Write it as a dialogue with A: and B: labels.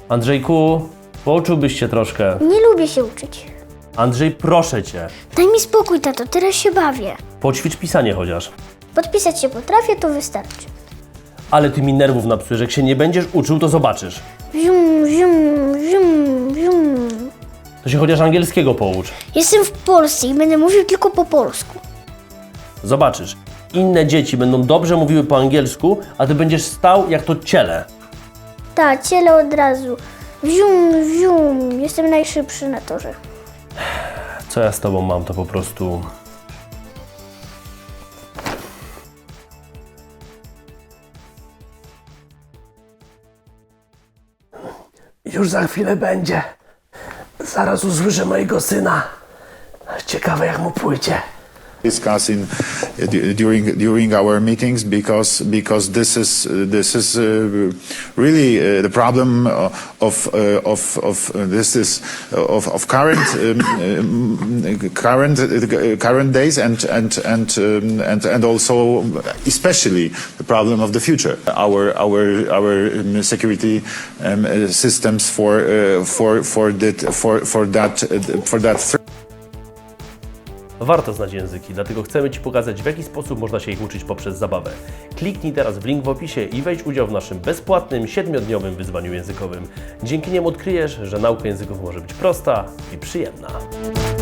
A: Andrzejku, pouczyłbyś się troszkę.
B: Nie lubię się uczyć.
A: Andrzej, proszę cię,
B: Daj mi spokój, tato, teraz się bawię.
A: poćwicz pisanie chociaż.
B: Podpisać się potrafię, to wystarczy.
A: Ale ty mi nerwów napsujesz, jak się nie będziesz uczył, to zobaczysz.
B: Zium, zium, zium, zium.
A: To się chociaż angielskiego poucz.
B: Jestem w Polsce i będę mówił tylko po polsku.
A: Zobaczysz, inne dzieci będą dobrze mówiły po angielsku, a ty będziesz stał jak to ciele.
B: Tak, ciele od razu. Zium, zium. Jestem najszybszy na torze.
A: Co ja z tobą mam, to po prostu... Już za chwilę będzie. Zaraz usłyszę mojego syna. Ciekawe jak mu pójdzie.
C: Discussing during our meetings because this is really the problem of current days and also especially the problem of the future. Our security systems for that threat.
A: Warto znać języki, dlatego chcemy Ci pokazać, w jaki sposób można się ich uczyć poprzez zabawę. Kliknij teraz w link w opisie i weź udział w naszym bezpłatnym 7-dniowym wyzwaniu językowym. Dzięki niemu odkryjesz, że nauka języków może być prosta i przyjemna.